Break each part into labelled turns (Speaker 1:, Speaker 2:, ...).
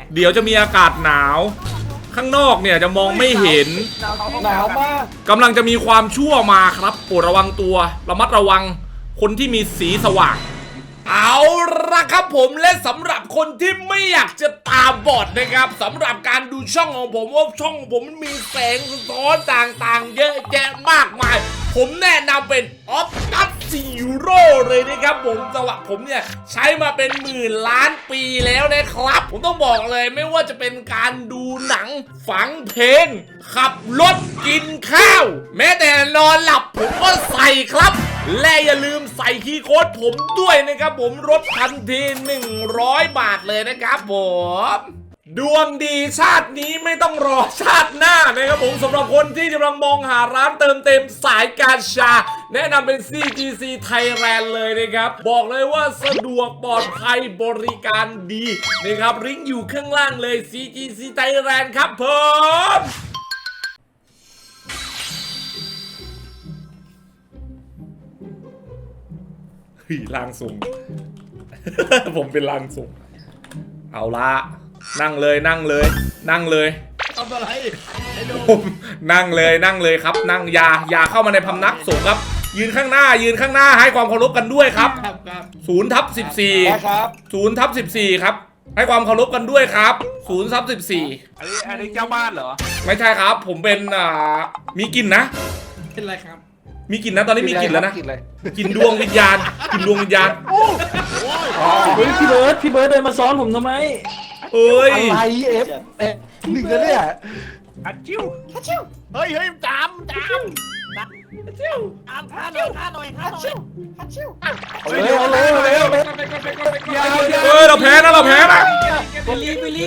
Speaker 1: เดี๋ยวจะมีอากาศหนาวข้างนอกเนี่ยจะมองไม่เห็น
Speaker 2: หนาวมาก
Speaker 1: กำลังจะมีความชั่วมาครับโปรดระวังตัวระมัดระวังคนที่มีสีสว่างเอาละครับผมและสำหรับคนที่ไม่อยากจะตาบอดนะครับสำหรับการดูช่องของผมว่าช่องของผมมันมีแสงสะท้อนต่างๆเยอะแยะมากมายผมแนะนำเป็น Optus Zero เลยนะครับผมสำหรับผมเนี่ยใช้มาเป็นหมื่นล้านปีแล้วนะครับผมต้องบอกเลยไม่ว่าจะเป็นการดูหนังฟังเพลงขับรถกินข้าวแม้แต่นอนหลับผมก็ใส่ครับและอย่าลืมใส่คีย์โค้ดผมด้วยนะครับผมลดทันที100 บาทเลยนะครับผมดวงดีชาตินี้ไม่ต้องรอชาติหน้านะครับผมสำหรับคนที่กำลังมองหาร้านเติมเต็มสายกาชาแนะนำเป็น CGC Thailand เลยนะครับบอกเลยว่าสะดวกปลอดภัยบริการดีนะครับลิงก์อยู่ข้างล่างเลย CGC Thailand ครับผมร่างทรง ผมเป็นร่างทรงเอาละนั่งเลยนั่งเลยนั่งเลยทำอะไรผมนั่งเลยครับนั่งอย่าเข้ามาในพำนักสงฆ์ครับยืนข้างหน้าให้ความเคารพกันด้วยครับ0/14
Speaker 2: ครับ
Speaker 1: 0/14ครับให้ความเคารพกันด้วยครับ0/14
Speaker 3: อันนี้เจ้าบ้านเหรอ
Speaker 1: ไม่ใช่ครับผมเป็นมีกลิ่นนะ
Speaker 4: เป็นไรครับ
Speaker 1: มีกลิ่นนะตอนนี้มีกลิ่นแล้วนะกลิ่นดวงวิญญาณ
Speaker 4: เฮ้ยพี่เบิร์ดเดินมาซ้อนผมทำไม
Speaker 1: เอ้ย
Speaker 2: อะไรหนึ่งแล้วเนี่ย
Speaker 3: ฮัตชิว
Speaker 5: เฮ้ยจามท่าหน่อย
Speaker 2: เร็ว
Speaker 1: เราแพ้นะ
Speaker 4: ไปรี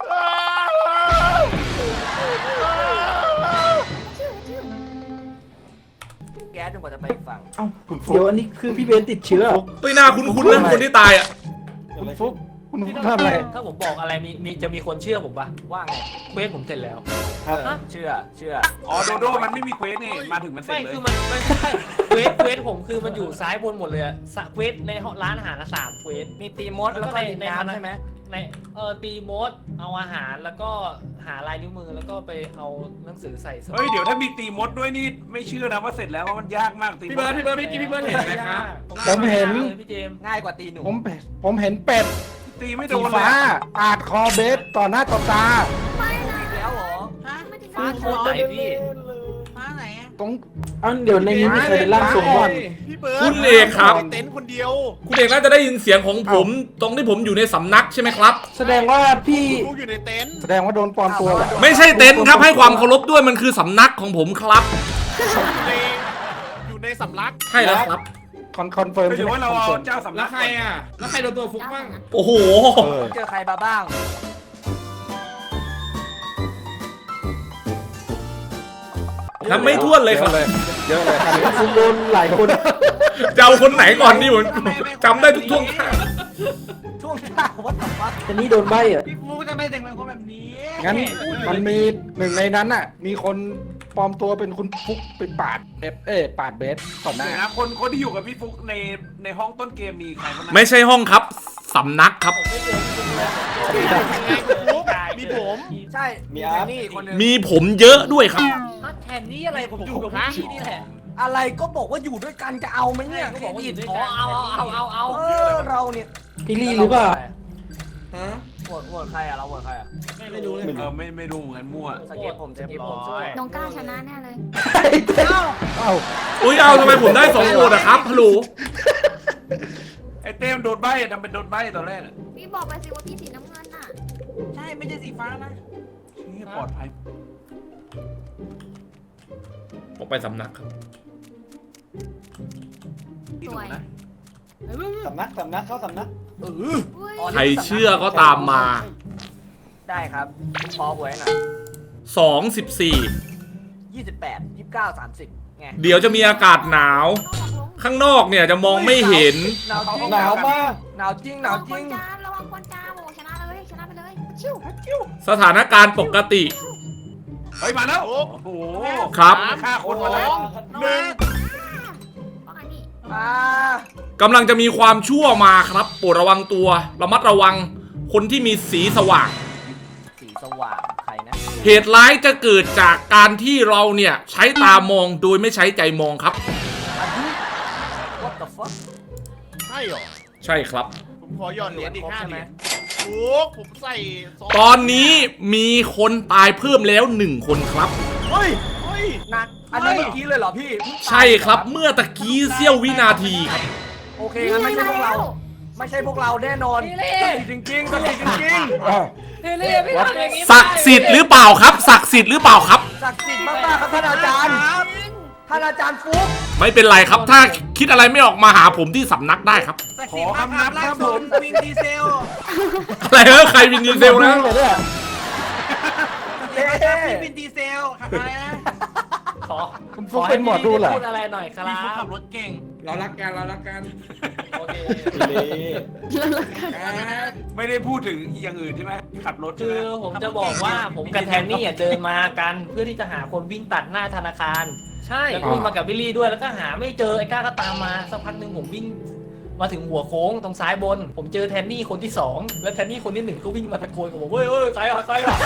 Speaker 5: แก๊สจนกว่าจะไปอีกฝั่ง
Speaker 4: เอ้าเดี๋ยวอันนี้คือพี่เบนติดเชื้อ
Speaker 1: เฮ้ยหน้าคุ้นๆนะคนที่ตายอ่ะ
Speaker 2: คุณฟุ๊กคุณทำอะไร
Speaker 6: ถ้าผมบอกอะไรมีจะมีคนเชื่อผมปะ
Speaker 5: ว่าไง
Speaker 6: เควสผมเสร็จแล้ว
Speaker 5: เชื่อ
Speaker 3: อ๋อโดโดมันไม่มีเควสนี่มาถึงมันเสร็
Speaker 6: ไม่
Speaker 3: จเลย
Speaker 6: คือมันไม่ใช่เควสผมคือมันอยู่ซ้ายบนหมดเลยอะเควสในร้านอาหารละ3เควส
Speaker 5: มีตีมดแล้วก็ในน้ำใช่ไหม
Speaker 6: ในตีมดเอาอาหารแล้วก็หาลายนิ้วมือแล้วก็ไปเอาหนังสือใส่สมุด
Speaker 3: เฮ้ยเดี๋ยวถ้ามีตีมดด้วยนี่ไม่เชื่อนะว่าเสร็จแล้วว่ามันยากมากตีมด
Speaker 4: พี่เบิร์ดเห็นไหมครับ
Speaker 2: ผมเห็น
Speaker 6: พี่เจมส์
Speaker 5: ง่ายกว่าตีหนู
Speaker 2: ผมเห็นเป็ด
Speaker 3: ตีไม่โด
Speaker 2: สี
Speaker 3: นเลย
Speaker 2: ฟ้าปาดคอเบสต่อหน้าต่อตา
Speaker 5: แล้วเหรอ
Speaker 6: ฟ้าโคตรไหนพี่
Speaker 2: ตรง
Speaker 4: อ้าวเดี๋ยวในนี้มีใครเป็นร่างทรงบ้าง
Speaker 5: พี่เบิร์ด
Speaker 1: คุณเอกครับ
Speaker 5: เต็นท์คนเดียว
Speaker 1: คุณเอกน่าจะได้ยินเสียงของผมตรงที่ผมอยู่ในสำนักใช่ไหมครับ
Speaker 4: แสดงว่าพี่
Speaker 5: ลูกอยู่ในเต็นท์
Speaker 2: แสดงว่าโดนปลอมตัวเหรอ
Speaker 1: ไม่ใช่เต็นท์ครับให้ความเคารพด้วยมันคือสำนักของผมครับ
Speaker 5: อยู่ในสำลัก
Speaker 1: ใช่แล้วครับ
Speaker 2: คอนเฟิร์ม
Speaker 3: ไม่
Speaker 2: ใช่
Speaker 3: ถือ
Speaker 2: ไหม
Speaker 3: ว่าเราเอาเจ้าสำนั
Speaker 4: แล้
Speaker 3: ก
Speaker 4: วใครอ่ะแล้วใครโดนตัวฟุกบ้าง
Speaker 1: โอ้โห
Speaker 5: เจอใครมาบ้าง
Speaker 1: นับไม่ถ้วนเลยครับ
Speaker 2: เยอะเลยครับ
Speaker 4: ฟุกโดนหลายคน
Speaker 1: จะเอาคนไหนก่อนดีผมจำได้ทุกท่วงท่า
Speaker 5: ช่วงหน้าวัดตวัด
Speaker 4: แต่นี่โดนใบอ่ะ
Speaker 5: พี่ฟูจะไม่แต่งเป็นคนแบบนี้
Speaker 2: งั้นมันมีหนึ่งในนั้นน่ะ มีคนปลอมตัวเป็นคุณฟุ๊กไปปาดปาดเบสต่อหน้า
Speaker 3: เดี๋ยวนะคนที่อยู่กับพี่ฟุกในห้องต้นเกมมีใครบ้างนะ
Speaker 1: ไม่ใช่ห้องครับสำนักครับ
Speaker 5: มีผมใช่มีอาร์นี่คนนึง
Speaker 1: มีผมเยอะด้วยครับ
Speaker 6: แทนนี้อะไรผมอยู่กับพี่นี่แหละ
Speaker 5: อะไรก็บอกว่าอยู่ด้วยกันจะเอาไหมเนี่ย
Speaker 6: ก็บอกว่าอยู่ด้วย
Speaker 5: ข
Speaker 6: กันเอา
Speaker 5: เราเนี่ย
Speaker 4: พี่ลี่หรือเปล่า
Speaker 5: โหวตใครอะเราโหวตใครอะ
Speaker 4: ไม่รู้เลย
Speaker 3: ไม่รู้เหมือนกันมั่ว
Speaker 5: สเก็ตผมช่วย
Speaker 7: น้องก้าวชนะแน่เลย
Speaker 2: เอ้า
Speaker 1: อุ้ยเอาทำไมผมได้2โหวตอะครับฮัลโหล
Speaker 3: ไอ้เต้มโดนใบ้ทำเป็นโดนใบ้ตอนแรกอะ
Speaker 7: พี่บอกไปสิว่าพี่สีน้ำเงินน่ะ
Speaker 5: ใช่ไม่ใช่สีฟ้านะ
Speaker 3: นี่ปลอดภัย
Speaker 1: ผมไปสำนักครับ
Speaker 3: ที่ถูกนะ
Speaker 2: สำนักเข้าสำนัก
Speaker 7: อุ้ย
Speaker 1: ใครเชื่อก็ตามมา
Speaker 5: ได้ครับพอหวยหน่อย
Speaker 1: 2/14
Speaker 5: 28 29 30ไง
Speaker 1: เดี๋ยวจะมีอากาศหนาว ข้างนอกเนี่ยจะมองไม่เห็น
Speaker 5: หนาวจริง
Speaker 2: หนาวมาก
Speaker 5: หนาวจริงหนาวจริง
Speaker 7: ระวังคนจามโอ้ชนะเลยชนะไปเลยชิว
Speaker 1: สถานการณ์ปกติ
Speaker 3: เฮ้ยมาแล้วโอ้โห
Speaker 1: ครับ
Speaker 3: ฆ่าคนมาแล้ว
Speaker 7: หนึ่งว่าไงนี่
Speaker 1: กำลังจะมีความชั่วมาครับโปรดระวังตัวระมัดระวังคนที่มีสีสว่าง
Speaker 5: ว่างใครนะ
Speaker 1: เหตุร้ายจะเกิดจากการที่เราเนี่ยใช้ตามองโดยไม่ใช้ใจมองครับ
Speaker 5: What the fuck
Speaker 8: ใช่เหรอ
Speaker 1: ใช่ครับ
Speaker 8: ผมขอหย่อนเหรียญอีก
Speaker 5: ครบ
Speaker 8: 5
Speaker 5: ใช่
Speaker 8: เห
Speaker 5: ไหม
Speaker 8: รียญโอ้ผมใส่ซง
Speaker 1: ตอนนี้มีคนตายเพิ่มแล้ว1 คนครับ
Speaker 8: เฮ้ยเฮ้ย
Speaker 5: นักอันนี้เมื่อกี้เลยเหรอพี่เพิ่งตาย
Speaker 1: ใช่ครับเมื่อตะกี้เสี้ยววินาทีครับ
Speaker 5: โอเคงั้นไม่ใช่พวกเรา ไม่ใช่พวกเราแน่นอนจริงๆจริง
Speaker 2: อ่ะ
Speaker 6: เฮ้ยเลยไม่ทำอย่างนี้
Speaker 1: ศักดิ์สิทธิ์หรือเปล่าครับ ศักดิ์สิทธิ์หรือเปล่าครับ
Speaker 5: ๆศักดิ์สิทธิ์มากๆครับท่านอาจารย์ท่านอาจารย์ฟุ๊ก
Speaker 1: ไม่เป็นไรครับ ถ้าคิดอะไรไม่ออกมาหาผมที่สำนักได้ครับ
Speaker 2: ขอคำนับครับผม
Speaker 3: วินดีเซล
Speaker 1: อะไรเออใครวินดีเซลนะ
Speaker 2: เหรอเนี่ย
Speaker 3: พี่วินดีเซลขับอะไรนะ
Speaker 6: ขอ
Speaker 2: คุณฟุกเป็นหมอดูเหรอ
Speaker 6: พูดอะไรหน่อยครั
Speaker 3: พี่เขาขั
Speaker 6: บบ
Speaker 3: รถเก่ง
Speaker 4: เรารักกันเรารักกัน
Speaker 6: โอเค
Speaker 3: ไม่ได้พูดถึงอย่างอื่นใช่ไหมขับรถใช่
Speaker 6: คื
Speaker 3: ไหม
Speaker 6: อผมจะบอกว่าผมกับแทนนี่เดินมากันเพื่อที่จะหาคนวิ่งตัดหน้าธนาคาร ใช่แล้วก็วิ่งมากับบิลลี่ด้วยแล้วก็หาไม่เจอไอ้ก้าก็ตามมาสักพักหนึ่งผมวิ่งมาถึงหัวโค้งตรงซ้ายบน ผมเจอแทนนี่คนที่2แล้วแทนนี่คนที่1ก็วิ่งมาตะโกนกับผมเฮ้ยใครอ่ะ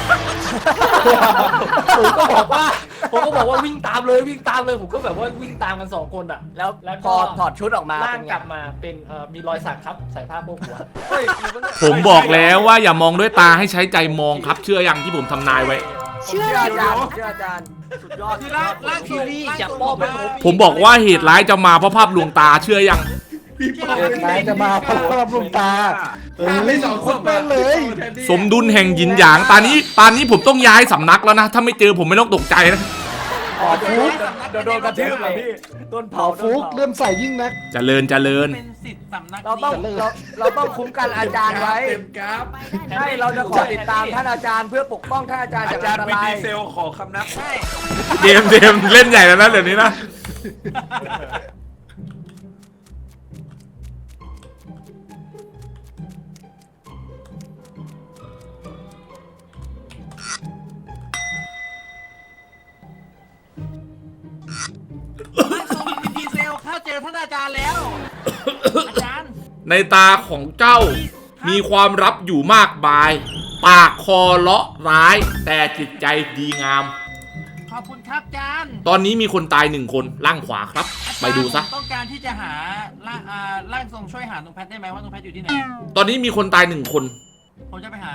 Speaker 6: ผมก็บอกว่าวิ่งตามเลยผมก็แบบว่าวิ่งตามกัน2 คนอ่ะแล้ว
Speaker 5: พ
Speaker 6: ก็
Speaker 5: อถอดชุดออกมา
Speaker 6: ร่าง
Speaker 5: เป็นไง
Speaker 6: กลับมาเป็นมีรอยสักครับใส่ผ้าโพกหัว
Speaker 5: เฮ้ยมีปะเนี่ย
Speaker 1: ผมบอกแล้วว่าอย่ามองด้วยตาให้ใช้ใจมองครับ เชื่อยังที่ผมทำนายไว้
Speaker 5: เชื่ออาจารย์เชื่ออาจารย์สุดยอด
Speaker 3: คือร่างทีวี
Speaker 6: จะป้อบไปผม
Speaker 1: ผมบอกว่าเหตุร้ายจะมาเพราะภาพลวงตาเชื่อยัง
Speaker 2: เหตุร้ายจะมาเพราะรับลมตาไม่สองคนเป็นเลย
Speaker 1: สมดุลแห่งหยินหยางตอนนี้ผมต้องย้ายสำนักแล้วนะ ถ้าไม่เจอผมไม่ต้องตกใจนะ
Speaker 2: ขอฟุก
Speaker 5: เดี๋ยวโดนกระทืบเหรอพี่ต้น
Speaker 2: ข
Speaker 5: เผา
Speaker 2: อฟุกเลื่อมใส่ยิ่งนัก
Speaker 1: เจริญ
Speaker 3: เป็นสิทธิ์สำนัก
Speaker 5: เราต้อง
Speaker 3: นี้
Speaker 5: เราต้องคุ้มกันอาจารย์ไว้
Speaker 4: เต็มกราฟ
Speaker 7: ไปได้
Speaker 5: ใช่เราจะขอติดตามท่านอาจารย์เพื่อปกป้องท่านอาจารย์
Speaker 3: อา
Speaker 5: จาก
Speaker 3: จาร
Speaker 5: อัน
Speaker 3: ย์
Speaker 5: ต
Speaker 3: วิน
Speaker 5: ราย
Speaker 3: ดีเซลขอคำนับให้
Speaker 1: เดมเล่นใหญ่แล้วนะเดี๋ยวนี้นะ
Speaker 3: วินดีเซลข้าเจอท่านอาจารย์แล้ว อาจารย์
Speaker 1: ในตาของเจ้ามีความลับอยู่มากมาย ปากคอเลาะร้าย แต่จิตใจดีงาม
Speaker 3: ขอบคุณครับอาจารย์
Speaker 1: ตอนนี้มีคนตาย1 คนล่างขวาครับ ไปดูซะ
Speaker 3: ต้องการที่จะหาร่างทรงช่วยหาตรงแพทได้ไหมว่าตรงแพทอยู่ที่ไหน
Speaker 1: ตอนนี้มีคนตาย1 คน
Speaker 3: ผมจะไปหา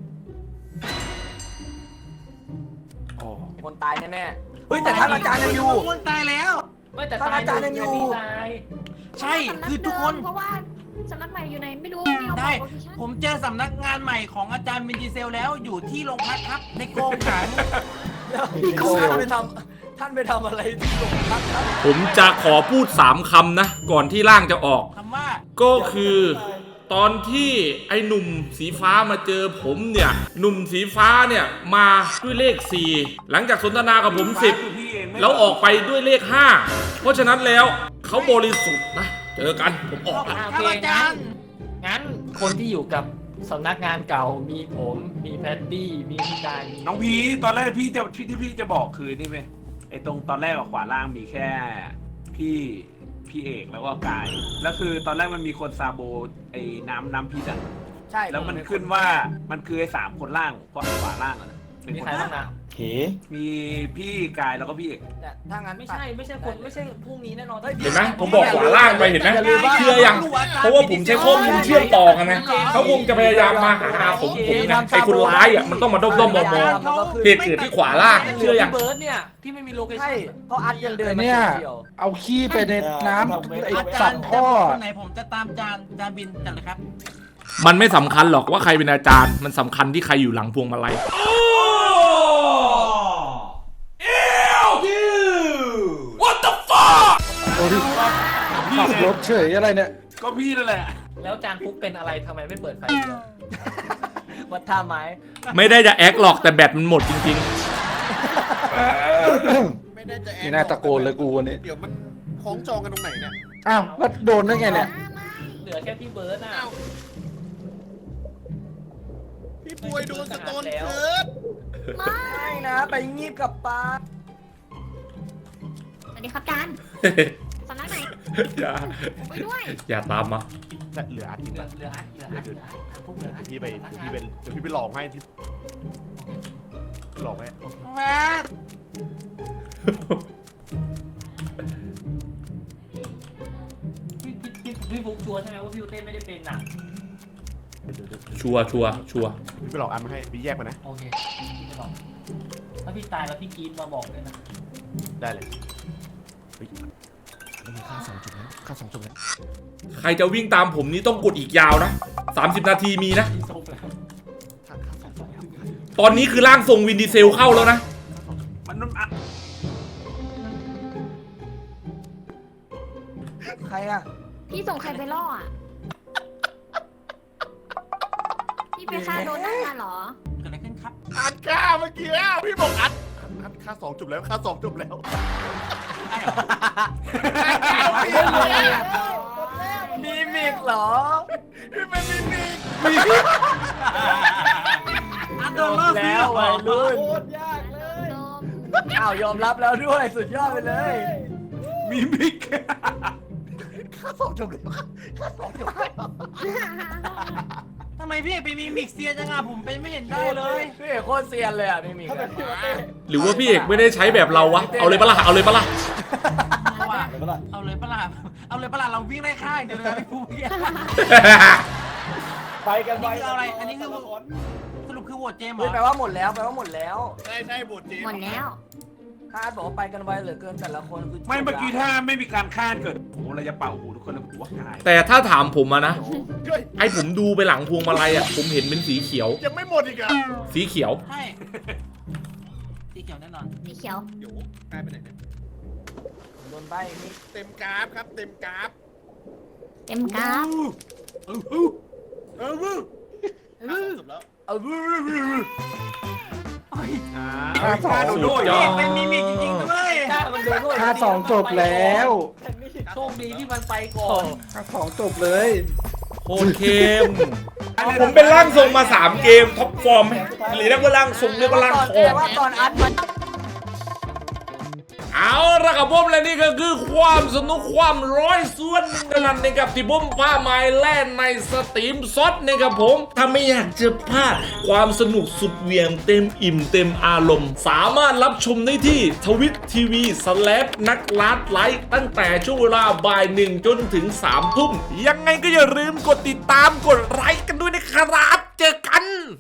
Speaker 5: คนตายแน่ๆเฮ้ยแต่ท่านอาจารย์ยังอยู่
Speaker 3: คนตายแล้ว
Speaker 6: ไม่แต่
Speaker 5: ท่านอาจารย์ยังอยู่
Speaker 6: ตาย
Speaker 3: ใช่คือทุกคน
Speaker 7: เพราะว่าสำนักใหม่อยู่ไหนไม่รู้ไม่เอา
Speaker 3: ได้
Speaker 7: บอกโลเคชั่น
Speaker 3: ผมเจอสำนักงานใหม่ของอาจารย์วินดีเซลแล้วอยู่ที่โรงพักครับ ในกรงขัง
Speaker 5: ท่านไปทำอะไรที่โรงพักครับ
Speaker 1: ผมจะขอพูด3 คำนะ ก่อนที่ร่างจะออก
Speaker 3: คำว่า
Speaker 1: ก็คือตอนที่ไอ้หนุ่มสีฟ้ามาเจอผมเนี่ยหนุ่มสีฟ้าเนี่ยมาด้วยเลข 4 หลังจากสนทนากับผม 10 แล้วออกไปด้วยเลข 5 เพราะฉะนั้นแล้วเขาบริสุทธิ์นะ เจอกันผมออกแล้ว
Speaker 3: ครับอาจารย์
Speaker 6: งั้นคนที่อยู่กับสำนักงานเก่ามีผมมีแพตตี้มีพี่กายมี
Speaker 3: น้องพีตอนแรกพี่จะบอกคือนี่ไหมไอ้ตรงตอนแรกขวาล่างมีแค่พี่เอกแล้วก็กายแล้วคือตอนแรกมันมีคนซาโบไอ้น้ำพิษอ่ะ
Speaker 5: ใช่
Speaker 3: แล้วมันขึ้นว่ามันคือไอ้3 คนล่างขวาล่างอ่ะนะเป็น
Speaker 6: มี
Speaker 3: คน
Speaker 6: ใครบ้างนะ
Speaker 3: มีพี่กายแล้วก็พี่เอก
Speaker 5: แต่ถ้างั้น
Speaker 6: ไม่ใช่คนไม่ใช่พวกนี้แน่นอน
Speaker 1: เห็นไหมผมบอกขวาล่างไปเห็นไหม
Speaker 5: อย่าลืมว่า
Speaker 1: เชื่อยังเพราะว่าผมใช้ข้อมูลเชื่อมต่อกันนะเขาคงจะพยายามมาหาผมนะไอ้คนร้ายอ่ะมันต้องมาด้อมๆมองๆเหตุเกิดที่ขวาล่างเชื่อยัง
Speaker 6: พี่เบิร์ดเนี่ยที่ไม่มีโลเคชั่
Speaker 5: ใช่
Speaker 6: น
Speaker 5: เพราะอัดยังเดินมา
Speaker 2: เนี่ย
Speaker 5: เดียว
Speaker 2: เอาขี้ไปในน้ำไอ้
Speaker 3: อา
Speaker 2: สั
Speaker 3: จาร
Speaker 2: ต
Speaker 3: ย์
Speaker 2: ว์ท่อ
Speaker 3: คนไหนผมจะตามจานบินกันเลยครับ
Speaker 1: มันไม่สำคัญหรอกว่าใครเป็นอาจารย์ มันสำคัญที่ใครอยู่หลังพวงมาลัย
Speaker 2: โอ้ยขับรถเฉยอะไรเนี่ย
Speaker 3: ก็พี่นั่นแหละ
Speaker 6: แล้วจานฟุกเป็นอะไรทำไมไม่เปิดไฟเดียว
Speaker 5: วัดท่าไม้
Speaker 1: ไม่ได้จะแอคหรอกแต่แบตมันหมดจริง
Speaker 8: ไม่ได้จะแอ
Speaker 2: นี่น่าตะโกนเลยกูวันนี้
Speaker 8: เดี๋ยวมันคล้องจองกันตรงไหนเนี่ย
Speaker 2: อ้าวแล้วโดนได้ไงเนี่ย
Speaker 6: เหลือแค่พี่เบิร์ดน่ะ
Speaker 8: พี่ป่วยโดนสโตนเคิร์ด
Speaker 5: ไม่นะ ไปงีบกับปลา
Speaker 7: สวัสดีครับอาจารย์
Speaker 1: ๆ
Speaker 7: สำนักไหน
Speaker 1: อย่า
Speaker 7: ผมไปด้วย
Speaker 1: อย่าตามมา
Speaker 8: เหลืออาทิตย์
Speaker 6: เหลื
Speaker 8: ละ
Speaker 6: เหลือ
Speaker 8: เดี๋ยวพี่ไปลองให้ที่
Speaker 6: โอเค
Speaker 8: หลอกไหม
Speaker 6: พี่ฟุกชัวร์ใช่ไหมว่าพี่เต้ไม่ได้เป็นน่ะ
Speaker 1: ชัวร์ชัวร์ชัวร์
Speaker 8: พี่ไปหลอกอันมาให้พี่แยกมานะ
Speaker 6: โอเคพี่จะบอกถ้าพี่ตายแล้วพี่กรีดมาบอกด้วยนะ
Speaker 8: ได้เลยเฮ้ยมันมีค่า2 จุดแล้วค่า2 จุดแล้ว
Speaker 1: ใครจะวิ่งตามผมนี่ต้องกดอีกยาวนะ30 นาทีมีนะ
Speaker 6: พี่โซฟแล้ว
Speaker 8: ค่า2 จุดแล้ว
Speaker 1: ตอนนี้คือร่างทรงวินดีเซลเข้าแล้วนะ
Speaker 3: มันอ่ะ
Speaker 5: ใครอ่ะ
Speaker 7: พี่ส่งใครไปล่ออ่ะ พี่ไปฆ่าโดนนั่นมาเหรอ
Speaker 6: เกิดอะไรขึ้นครับ
Speaker 8: อัดค่าเมื่อกี้แล้วพี่บอกอัดค่า2 จุดแล้วค่า2 จุดแล้ว
Speaker 5: มีมิกเหรอ
Speaker 8: พี่เป็นมินิ
Speaker 5: โดนแล้ววัยรุ่น
Speaker 8: โคตรยากเลย
Speaker 7: โดม
Speaker 5: อ้าวยอมรับแล้วด้วยสุดยอดไปเลย
Speaker 3: มีมิก
Speaker 8: ค่า2 จุดแล้วค่า2 จุดแล้ว
Speaker 6: ทำไมพี่เอกไปมีมิกเซียจังอ่ะผมเป็นไม่เห็นได้เลย
Speaker 5: พี่เอกโคตรเซียนเลยอ่ะมีมิกอะ
Speaker 1: หรือว่าพี่เอกไม่ได้ใช้แบบเราวะ เอาเลยปะล่ะ เอาเลยปะล่ะ
Speaker 6: เอาเลยปะล่ะเอาเลยปะล่ะเราวิ่งได้ค่ายเดี๋ยวเลยพี่ฟุกเนี่ย
Speaker 5: ไปกันไป
Speaker 6: เอาอะไรอันนี้คือสรุปคือโหวตเจมส์เหร
Speaker 5: เฮ้ย
Speaker 6: อ
Speaker 5: แปลว่าหมดแล้วแปลว่าหมดแล้ว
Speaker 8: ใช่บทจี
Speaker 7: หมดแล้ว
Speaker 5: คาดบอกว่าไปกันไวเหลือเกินแต่ละคนคือ
Speaker 3: ไม่เมื่อกี้ถ้าไม่มีการฆ่าเกิดโอ้โหเราจะเป่าหูทุกคนเลยหัวกาย
Speaker 1: แต่ถ้าถามผมอะนะ
Speaker 8: เฮ้ย
Speaker 1: ไอผมดูไปหลังพวงมาลัยอะผมเห็นเป็นสีเขียว
Speaker 8: ยังไม่หมดอีกอ่ะ
Speaker 1: สีเขียว
Speaker 6: ใช่สีเขียวแน่นอน
Speaker 7: สีเขียว
Speaker 8: เดี๋ยวกลายไปไหนเนี่ย
Speaker 5: โดนใบมิก
Speaker 8: เต็มกราฟครับเต็มกราฟ
Speaker 7: เต็มกราฟ
Speaker 8: จบแล้ว
Speaker 5: เอา
Speaker 3: ฆ่าโดโด้
Speaker 1: สุดย
Speaker 3: ย
Speaker 1: อด
Speaker 6: เป็นมิมิกจริงๆด้วย
Speaker 5: ฆ่ามันโดนด้วย
Speaker 2: ค่า2 จบแล้ว
Speaker 6: โชคดีที่มันไปก่อน
Speaker 2: ค่า2 จบเลย
Speaker 1: โคตรเข้ม ผมเป็นร่างทรงมา 3 เกมท็อปฟอร์มไหมหรือเรียกว่าร่างทรงเรียกว่าร่างทอง
Speaker 5: ว่าตอนอัดมัน
Speaker 1: เอาละครับผมและนี่ก็คือความสนุกความร้อยส่วนหนึ่งกันนั้นนะครับที่ผมพาไม้แล่นในสตรีมซดนะครับผม ถ้าไม่อยากจะพลาดความสนุกสุดเหวี่ยงเต็มอิ่มเต็มอารมณ์ สามารถรับชมได้ที่ทวิตทีวีนักลัดไลค์ตั้งแต่ช่วงเวลาบ่าย 1 จนถึง 3 ทุ่ม ยังไงก็อย่าลืมกดติดตามกดไลค์กันด้วยนะครับ เจอกัน